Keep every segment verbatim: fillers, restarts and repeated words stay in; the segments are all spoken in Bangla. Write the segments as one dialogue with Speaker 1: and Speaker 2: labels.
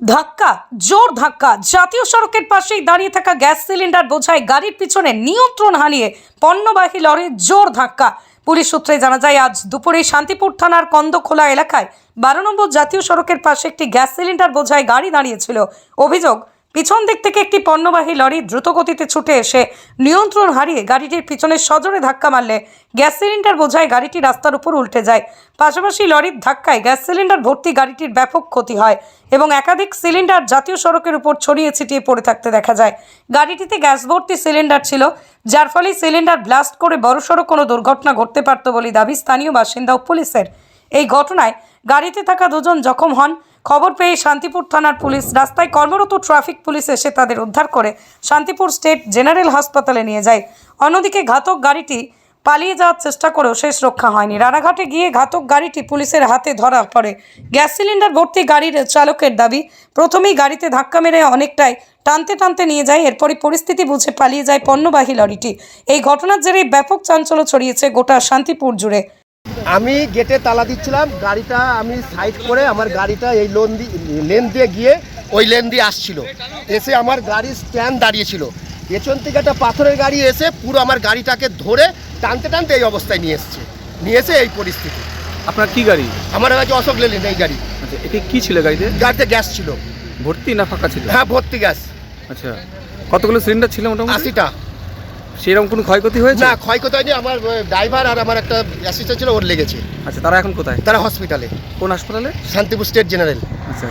Speaker 1: ধাক্কা, জোর ধাক্কা। জাতীয় সড়কের পাশেই দাঁড়িয়ে থাকা গ্যাস সিলিন্ডার বোঝাই গাড়ির পিছনে নিয়ন্ত্রণ হারিয়ে পণ্যবাহী লরির জোর ধাক্কা। পুলিশ সূত্রে জানা যায়, আজ দুপুরে শান্তিপুর থানার কন্দখোলা এলাকায় বারো নম্বর জাতীয় সড়কের পাশে একটি গ্যাস সিলিন্ডার বোঝাই গাড়ি দাঁড়িয়েছিল। অভিযোগ, পিছন দিক থেকে একটি পণ্যবাহী লরি দ্রুত গতিতে ছুটে এসে নিয়ন্ত্রণ হারিয়ে গাড়িটির পিছনে সজোরে ধাক্কা মারলে গ্যাস সিলিন্ডার বোঝাই গাড়িটি রাস্তার উপর উল্টে যায়। পাশাপাশি লরির ধাক্কায় গ্যাস সিলিন্ডার ভর্তি গাড়িটির ব্যাপক ক্ষতি হয় এবং একাধিক সিলিন্ডার জাতীয় সড়কের উপর ছড়িয়ে ছিটিয়ে পড়ে থাকতে দেখা যায়। গাড়িটিতে গ্যাস ভর্তি সিলিন্ডার ছিল, যার ফলে সিলিন্ডার ব্লাস্ট করে বড়সড় কোনো দুর্ঘটনা ঘটতে পারত বলে দাবি স্থানীয় বাসিন্দা ও পুলিশের। এই ঘটনায় গাড়িতে থাকা দুজন জখম হন। খবর পেয়ে শান্তিপুর থানার পুলিশ রাস্তায় কর্মরত ট্রাফিক পুলিশ এসে তাদের উদ্ধার করে শান্তিপুর স্টেট জেনারেল হাসপাতালে নিয়ে যায়। অন্যদিকে ঘাতক গাড়িটি পালিয়ে যাওয়ার চেষ্টা করেও শেষ রক্ষা হয়নি। রানাঘাটে গিয়ে ঘাতক গাড়িটি পুলিশের হাতে ধরা পড়ে। গ্যাস সিলিন্ডার ভর্তি গাড়ির চালকের দাবি, প্রথমেই গাড়িতে ধাক্কা মেরে অনেকটাই টানতে টানতে নিয়ে যায়, এরপরই পরিস্থিতি বুঝে পালিয়ে যায় পণ্যবাহী লরিটি। এই ঘটনার জেরে ব্যাপক চাঞ্চল্য ছড়িয়েছে গোটা শান্তিপুর জুড়ে।
Speaker 2: আমি গেটে তালা দিচ্ছিলাম, গাড়িটা আমি সাইড করে আমার গাড়িটা এই লোন লেন দিয়ে গিয়ে ওই লেন দিয়ে আসছিল, এসে আমার গাড়ি স্ট্যান্ড দাঁড়িয়েছিল। পেছন থেকে একটা পাথরের গাড়ি এসে পুরো আমার গাড়িটাকে ধরে টানতে টানতে এই অবস্থায় নিয়ে এসছে নিয়ে এসে এই পরিস্থিতি।
Speaker 3: আপনার কি গাড়ি?
Speaker 2: আমার কাছে অশোক লেলেন এই গাড়ি।
Speaker 3: আচ্ছা, এটা কি ছিল গাড়িতে?
Speaker 2: গাড়িতে গ্যাস ছিল।
Speaker 3: ভর্তি না ফাঁকা ছিল?
Speaker 2: হ্যাঁ, ভর্তি গ্যাস।
Speaker 3: আচ্ছা, কতগুলো সিলিন্ডার ছিল মোটামুটি?
Speaker 2: আশিটা।
Speaker 3: সেরকম কোনো ক্ষয়ক্ষতি হয়েছে?
Speaker 2: না, ক্ষয়ক্ষতি হয়নি। আমার ড্রাইভার আর আমার একটা অ্যাসিস্ট্যান্ট ছিল, ওর লেগেছে।
Speaker 3: আচ্ছা, তারা এখন কোথায়?
Speaker 2: তারা হসপিটালে।
Speaker 3: কোন হাসপাতালে?
Speaker 2: Shantipur state general.
Speaker 3: আচ্ছা,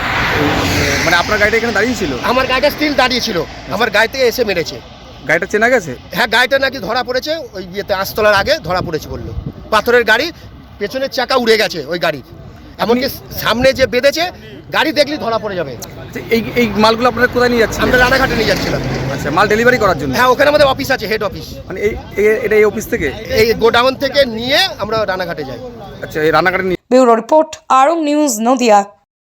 Speaker 3: মানে আপনার গাড়িটা এখানে দাঁড়িয়ে ছিল?
Speaker 2: আমার গাড়িটা স্টিল দাঁড়িয়ে ছিল, আমার গাড়ি থেকে এসে মেরেছে।
Speaker 3: গাড়িটা চেনা গেছে?
Speaker 2: হ্যাঁ, গাড়িটা নাকি ধরা পড়েছে ওই ইয়েতে, আস্তলার আগে ধরা পড়েছে বললো। পাথরের গাড়ি, পেছনের চাকা উড়ে গেছে ওই গাড়ির, এমনকি সামনে যে বেঁধেছে গাড়ি দেখলেই ধরা পড়ে যাবে।
Speaker 3: এই এই মালগুলো আপনারা কোথায় নিয়ে যাচ্ছেন?
Speaker 2: আমরা রানাঘাটে নিয়ে যাচ্ছিলাম।
Speaker 3: আচ্ছা, মাল ডেলিভারি করার জন্য?
Speaker 2: হ্যাঁ, ওখানে আমাদের অফিস আছে, হেড অফিস।
Speaker 3: মানে এই এটা এই অফিস থেকে,
Speaker 2: এই গোডাউন থেকে নিয়ে আমরা রানাঘাটে যাই।
Speaker 3: আচ্ছা, এই রানাঘাটে।
Speaker 1: ব্যুরো রিপোর্ট, আরং নিউজ, নদিয়া।